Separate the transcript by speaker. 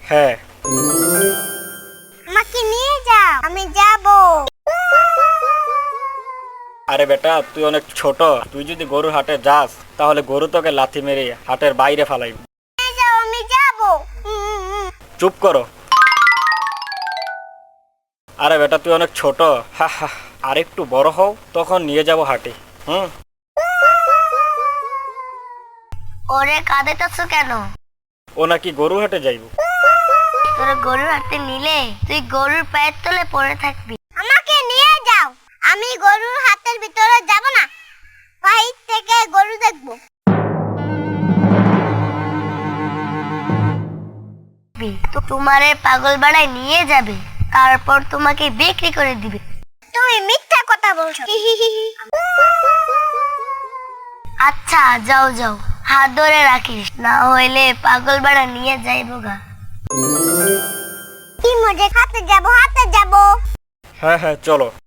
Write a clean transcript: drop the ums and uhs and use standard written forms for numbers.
Speaker 1: হ্যাঁ।
Speaker 2: আমাকে নিয়ে যাও, আমি যাব।
Speaker 1: আরে বেটা, তুই অনেক ছোট। তুই যদি গরুর হাটে যাস তাহলে গরু তোকে লাথি মেরে হাটের বাইরে ফালাইবে।
Speaker 2: নিয়ে যাও, আমি যাব।
Speaker 1: চুপ করো। আরে বেটা, তুই অনেক ছোট। হা হা। আর একটু বড় হও, তখন নিয়ে যাব হাটে।
Speaker 2: ওরে কাঁদেতেছ কেন?
Speaker 1: ও নাকি গরু হাটে যাইব।
Speaker 2: তোর গরুর হাতে নিলে তুই গরুর পায়ের তলে পড়ে থাকবি। আমাকে নিয়ে যাও, আমি গরুর হাতের ভিতরে যাব না, বাইরে থেকে গরু দেখব। তো তোমারে পাগল বাড়ায় নিয়ে যাবে, তারপর তোমাকে বিক্রি করে দিবে। তুমি মিথ্যা কথা বলছো। আচ্ছা যাও যাও, হাত ধরে রাখিস, না হইলে পাগল বাড়া নিয়ে যাইবো গা। কি মজা, হাতে যাব, হাতে যাব।
Speaker 1: হ্যাঁ হ্যাঁ, চলো।